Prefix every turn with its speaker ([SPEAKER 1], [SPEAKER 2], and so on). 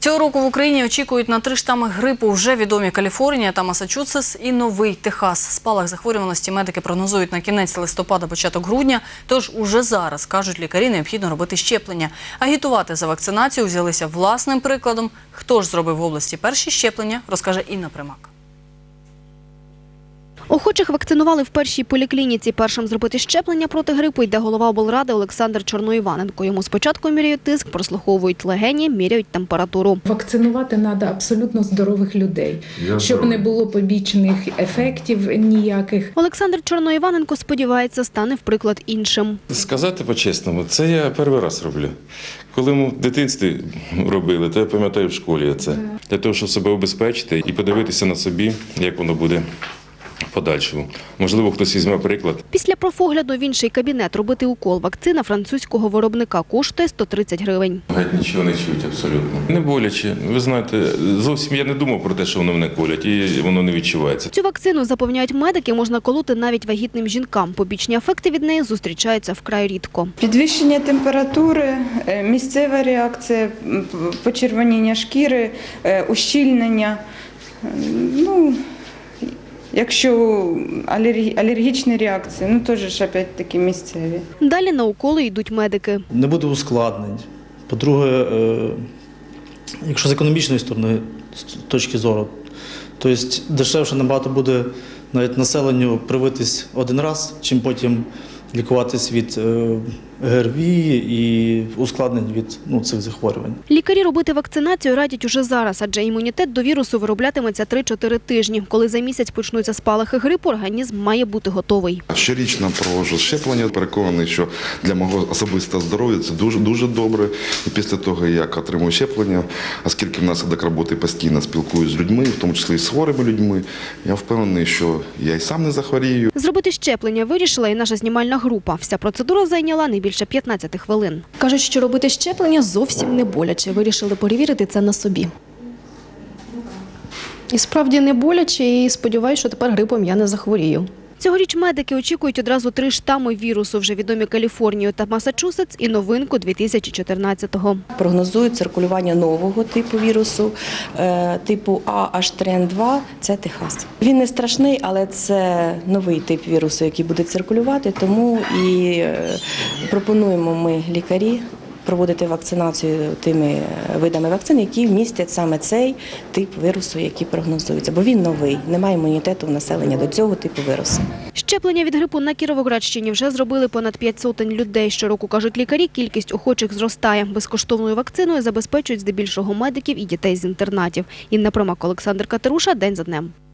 [SPEAKER 1] Цього року в Україні очікують на 3 штами грипу. Вже відомі Каліфорнія та Массачусетс і Новий Техас. Спалах захворюваності медики прогнозують на кінець листопада, початок грудня. Тож уже зараз, кажуть лікарі, необхідно робити щеплення. Агітувати за вакцинацію взялися власним прикладом. Хто ж зробив в області перші щеплення, розкаже Інна Примак.
[SPEAKER 2] Охочих вакцинували в першій поліклініці. Першим зробити щеплення проти грипу йде голова облради Олександр Чорноїваненко. Йому спочатку міряють тиск, прослуховують легені, міряють температуру.
[SPEAKER 3] Вакцинувати треба абсолютно здорових людей, щоб не було побічних ефектів ніяких.
[SPEAKER 2] Олександр Чорноїваненко сподівається, стане в приклад іншим.
[SPEAKER 4] Сказати по-чесному, це я перший раз роблю. Коли ми в дитинстві робили, то я пам'ятаю в школі це. Для того, щоб себе убезпечити і подивитися на собі, як воно буде в подальшому. Можливо, хтось візьме приклад.
[SPEAKER 2] Після профогляду в інший кабінет робити укол. Вакцина французького виробника коштує 130 гривень.
[SPEAKER 4] Геть нічого не чують абсолютно. Не боляче. Ви знаєте, зовсім я не думав про те, що воно мене колять, і воно не відчувається.
[SPEAKER 2] Цю вакцину, запевняють медики, можна колоти навіть вагітним жінкам. Побічні ефекти від неї зустрічаються вкрай рідко.
[SPEAKER 5] Підвищення температури, місцева реакція, почервоніння шкіри, ущільнення. Якщо алергічні реакції, теж опять-таки місцеві.
[SPEAKER 2] Далі на уколи йдуть медики.
[SPEAKER 6] Не буде ускладнень. По-друге, якщо з економічної сторони, з точки зору, то дешевше набагато буде навіть населенню привитись один раз, чим потім лікуватись від ГРВІ і ускладнень від цих захворювань.
[SPEAKER 2] Лікарі робити вакцинацію радять уже зараз, адже імунітет до вірусу вироблятиметься 3-4 тижні. Коли за місяць почнуться спалахи грипу, організм має бути готовий.
[SPEAKER 7] Щорічно проводжу щеплення. Переконаний, що для мого особистого здоров'я це дуже добре. І після того, як отримую щеплення, оскільки внаслідок роботи постійно спілкуюся з людьми, в тому числі і з хворими людьми, я впевнений, що я і сам не захворію.
[SPEAKER 2] Зробити щеплення вирішила і наша знімальна група. Вся процедура зайняла не більше 15 хвилин.
[SPEAKER 8] Кажуть, що робити щеплення зовсім не боляче. Вирішили перевірити це на собі. І справді не боляче, і сподіваюся, що тепер грипом я не захворію.
[SPEAKER 2] Цьогоріч медики очікують одразу 3 штами вірусу, вже відомі Каліфорнію та Массачусетс, і новинку 2014-го.
[SPEAKER 9] Прогнозують циркулювання нового типу вірусу, типу AH3N2, це Техас. Він не страшний, але це новий тип вірусу, який буде циркулювати, тому і пропонуємо ми, лікарі, проводити вакцинацію тими видами вакцин, які містять саме цей тип вірусу, який прогнозується. Бо він новий, немає імунітету в населення до цього типу вірусу.
[SPEAKER 2] Щеплення від грипу на Кіровоградщині вже зробили понад 500 людей. Щороку, кажуть лікарі, кількість охочих зростає. Безкоштовною вакциною забезпечують здебільшого медиків і дітей з інтернатів. Інна Примак, Олександр Катеруша. День за днем.